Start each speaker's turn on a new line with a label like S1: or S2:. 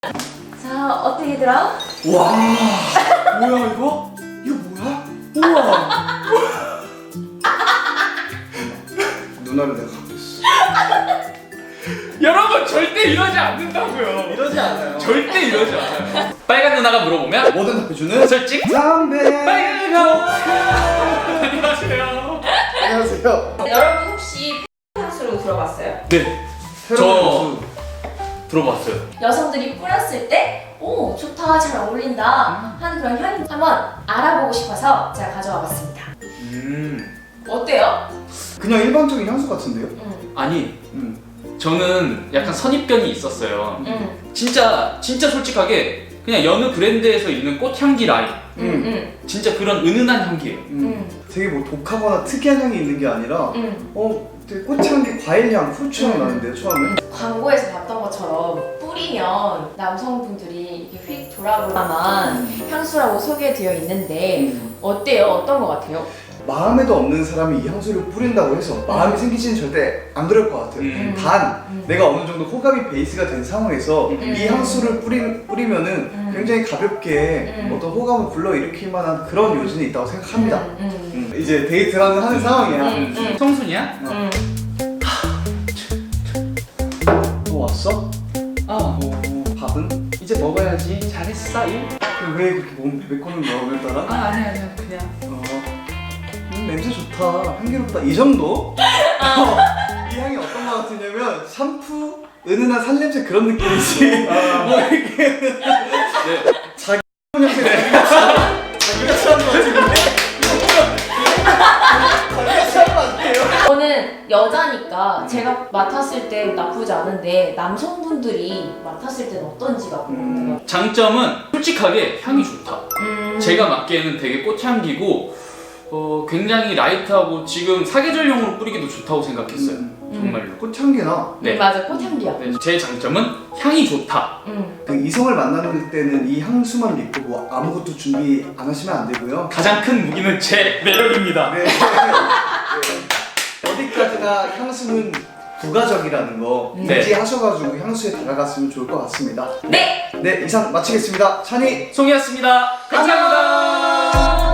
S1: 자, 어떻게 들어?
S2: 와, 뭐야 이거? 이거 뭐야? 우와. 누나를 내가 갖고 있어.
S3: 여러분 절대 이러지 않는다고요.
S2: 이러지 않아요.
S3: 절대 이러지 않아요. 빨간 누나가 물어보면
S2: 뭐든 답해주는
S3: 솔직
S2: 담배.
S3: 빨간 누나. 안녕하세요.
S2: 안녕하세요.
S1: 여러분 혹시 향수로 들어봤어요?
S3: 네,
S2: 저
S3: 들어봤어요.
S1: 여성들이 뿌렸을 때, 오, 좋다, 잘 어울린다 하는 그런 향이 한번 알아보고 싶어서 제가 가져와 봤습니다. 어때요?
S2: 그냥 일반적인 향수 같은데요?
S3: 아니,
S2: 음.
S3: 저는 약간 선입견이 있었어요.
S1: 응.
S3: 진짜
S2: 솔직하게
S3: 그냥 여느 브랜드에서 있는 꽃향기 라인.
S1: 응.
S3: 진짜 그런 은은한 향기예요.
S2: 되게 뭐 독하거나 특이한 향이 있는 게 아니라 되게 꽃향기, 과일향, 후추향 나는데요 처음에?
S1: 광고에서 봤던 것처럼 뿌리면 남성분들이 이렇게 휙 돌아볼만한 향수라고 소개되어 있는데 어때요? 어떤 것 같아요?
S2: 마음에도 없는 사람이 이 향수를 뿌린다고 해서 마음이 생기지는 절대 안 그럴 것 같아요. 단 내가 어느 정도 호감이 베이스가 된 상황에서 이 향수를 뿌리면은 굉장히 가볍게 어떤 호감을 불러일으킬 만한 그런 요진이 있다고 생각합니다. 이제 데이트를 하는 상황이야.
S3: 청순이야?
S2: 왔어? 밥은?
S3: 이제 먹어야지. 잘했어. 일?
S2: 왜 그렇게 몸 베베꼬는 거야 오늘따라?
S3: 아니야 그냥.
S2: 냄새 좋다. 향기롭다. 이 정도? 이 향이 어떤 거 같으냐면 샴푸, 은은한 살냄새 그런 느낌이지. 뭐 이렇게
S3: 네.
S2: 자기 냄새 자기가 취한 거 같은데? 자기가 취한 거 같아요?
S1: 저는 여자니까 제가 맡았을 때 나쁘지 않은데 남성분들이 맡았을 때는 어떤지가 궁금해요.
S3: 장점은 솔직하게 향이 좋다. 제가 맡기에는 되게 꽃향기고 굉장히 라이트하고 지금 사계절용으로 뿌리기도 좋다고 생각했어요. 정말로.
S2: 꽃향기나
S3: 네.
S1: 맞아, 꽃향기야.
S3: 네, 제 장점은 향이 좋다.
S2: 그 이성을 만나는 때는 이 향수만 믿고 뭐 아무것도 준비 안 하시면 안 되고요.
S3: 가장 큰 무기는 제 매력입니다.
S2: 네. 어디까지나 향수는 부가적이라는 거
S3: 네.
S2: 인지하셔가지고 향수에 다가갔으면 좋을 것 같습니다.
S1: 네!
S2: 네, 이상 마치겠습니다. 찬이
S3: 송이었습니다. 감사합니다.